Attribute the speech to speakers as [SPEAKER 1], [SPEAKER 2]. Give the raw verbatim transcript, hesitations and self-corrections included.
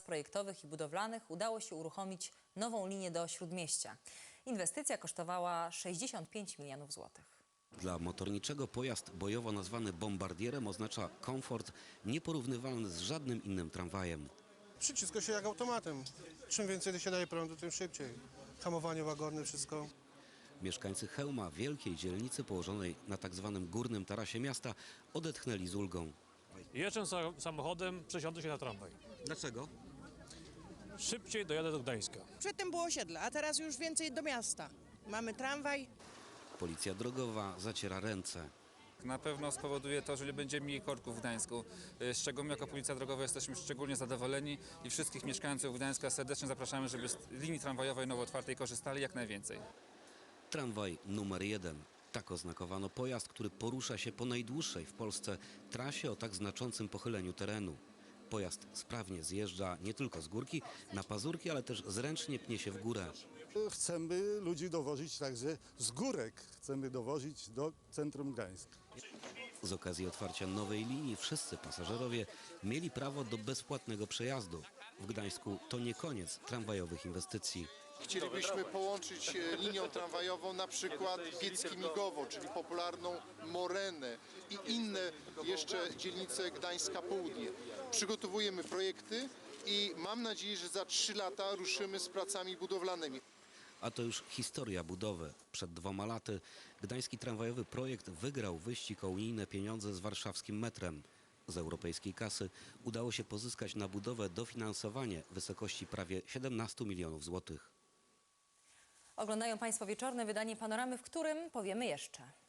[SPEAKER 1] projektowych i budowlanych udało się uruchomić nową linię do Śródmieścia. Inwestycja kosztowała sześćdziesiąt pięć milionów złotych.
[SPEAKER 2] Dla motorniczego pojazd bojowo nazwany bombardierem oznacza komfort nieporównywalny z żadnym innym tramwajem.
[SPEAKER 3] Przyciska się jak automatem. Czym więcej się daje prądu, tym szybciej. Hamowanie łagodne, wszystko.
[SPEAKER 2] Mieszkańcy Chełma, wielkiej dzielnicy położonej na tak zwanym górnym tarasie miasta, odetchnęli z ulgą.
[SPEAKER 4] Jeżdżę samochodem, przesiądę się na tramwaj.
[SPEAKER 2] Dlaczego?
[SPEAKER 4] Szybciej dojadę do Gdańska.
[SPEAKER 5] Przedtem było osiedle, a teraz już więcej do miasta. Mamy tramwaj.
[SPEAKER 2] Policja drogowa zaciera ręce.
[SPEAKER 6] Na pewno spowoduje to, że nie będzie mniej korków w Gdańsku, z czego my jako Policja Drogowa jesteśmy szczególnie zadowoleni i wszystkich mieszkańców Gdańska serdecznie zapraszamy, żeby z linii tramwajowej nowo otwartej korzystali jak najwięcej.
[SPEAKER 2] Tramwaj numer jeden. Tak oznakowano pojazd, który porusza się po najdłuższej w Polsce trasie o tak znaczącym pochyleniu terenu. Pojazd sprawnie zjeżdża nie tylko z górki na pazurki, ale też zręcznie pnie się w górę.
[SPEAKER 7] Chcemy ludzi dowozić także z górek. Chcemy dowozić do centrum Gdańska.
[SPEAKER 2] Z okazji otwarcia nowej linii wszyscy pasażerowie mieli prawo do bezpłatnego przejazdu. W Gdańsku to nie koniec tramwajowych inwestycji.
[SPEAKER 8] Chcielibyśmy połączyć linią tramwajową na przykład Biecki-Migowo, czyli popularną Morenę i inne jeszcze dzielnice Gdańska Południe. Przygotowujemy projekty i mam nadzieję, że za trzy lata ruszymy z pracami budowlanymi.
[SPEAKER 2] A to już historia budowy. Przed dwoma laty gdański tramwajowy projekt wygrał wyścig o unijne pieniądze z warszawskim metrem. Z europejskiej kasy udało się pozyskać na budowę dofinansowanie w wysokości prawie siedemnastu milionów złotych.
[SPEAKER 1] Oglądają Państwo wieczorne wydanie Panoramy, w którym powiemy jeszcze.